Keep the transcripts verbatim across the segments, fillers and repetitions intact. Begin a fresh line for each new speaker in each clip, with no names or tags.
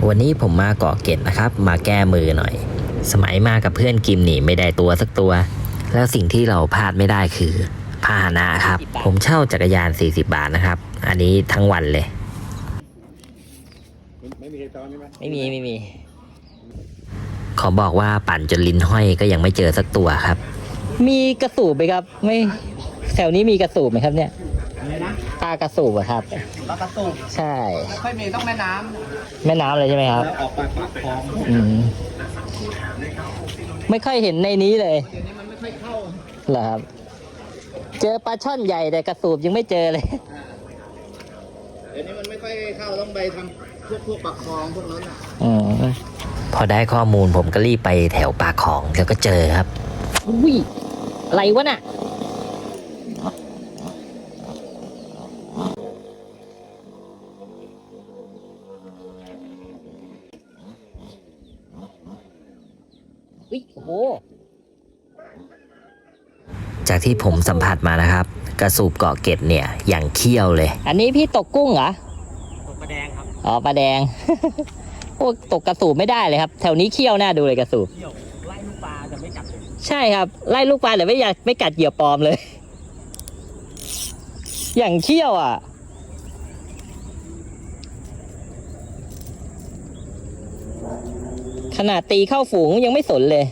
วันนี้ผมมาเกาะเกร็ดนะครับมาแก้มือหน่อยสมัยมากับเพื่อนกิมนี่ไม่ได้ตัวสักตัวแล้วสิ่งที่เราพลาดไม่ได้คือพาหนะครับผมเช่าจักรยานสี่สิบบาทนะครับอันนี้ทั้งวันเลยไม่มีตอนนี้ไหมไม่มีไม่มีขอบอกว่าปั่นจนลิ้นห้อยก็ยังไม่เจอสักตัวครับมีกระสูบไหมครับไม่แถวนี้มีกระสูบไหมครับเนี่ยปลากระสูบอะครับ
ปลากระสูบ
ใช่
ไม่ค่อยมีต้องแม่น้ำ
แม่น้ำเลยใช่ไหมครับ
ออกไปปากคลอง
อืมไม่ค่อยเห็นในนี้เลย
เดี๋ยวนี้มันไม่ค่อยเข้า
เหรอครับเจอปลาช่อนใหญ่แต่กระสูบยังไม่เจอเลย
เดี๋ยวนี้มันไม่ค่อยเข้าต้องไปทำพวกพวกปากคลองพวกนั้นอ่ะ
อืมพอได้ข้อมูลผมก็รีบไปแถวปากคลองแล้วก็เจอครับอุ้ยอะไรวะน่ะโอ้โหจากที่ผมสัมผัสมานะครับกระสูบเกาะเกร็ดเนี่ยอย่างเขี้ยวเลยอันนี้พี่ตกกุ้งเหรอ
ตกปลาแดงครับ
อ๋อปลาแดง โอ้ตกกระสูบไม่ได้เลยครับแถวนี้เขี้ยวน่าดูเลยกระสูบ
ไล่ลูกปลาจะไม่กัด
ใช่ครับไล่ลูกปลาแต่ไม่อยากไม่กัดเหยื่อปลอมเลย อย่างเขี้ยวอ่ะขนาดตีเข้าฝูงยังไม่สนเลย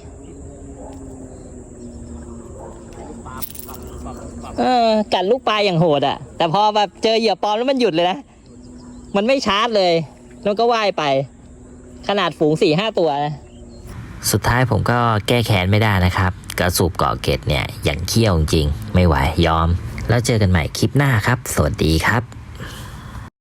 เออกัดลูกปลาอย่างโหดอ่ะแต่พอแบบเจอเหยื่อปลอมแล้วมันหยุดเลยนะมันไม่ชาร์จเลยแล้วก็ว่ายไปขนาดฝูงสี่ห้าตัวนะสุดท้ายผมก็แก้แค้นไม่ได้นะครับกระสูบเกาะเกร็ดเนี่ยอย่างเขี้ยวจริงไม่ไหวยอมแล้วเจอกันใหม่คลิปหน้าครับสวัสดีครับ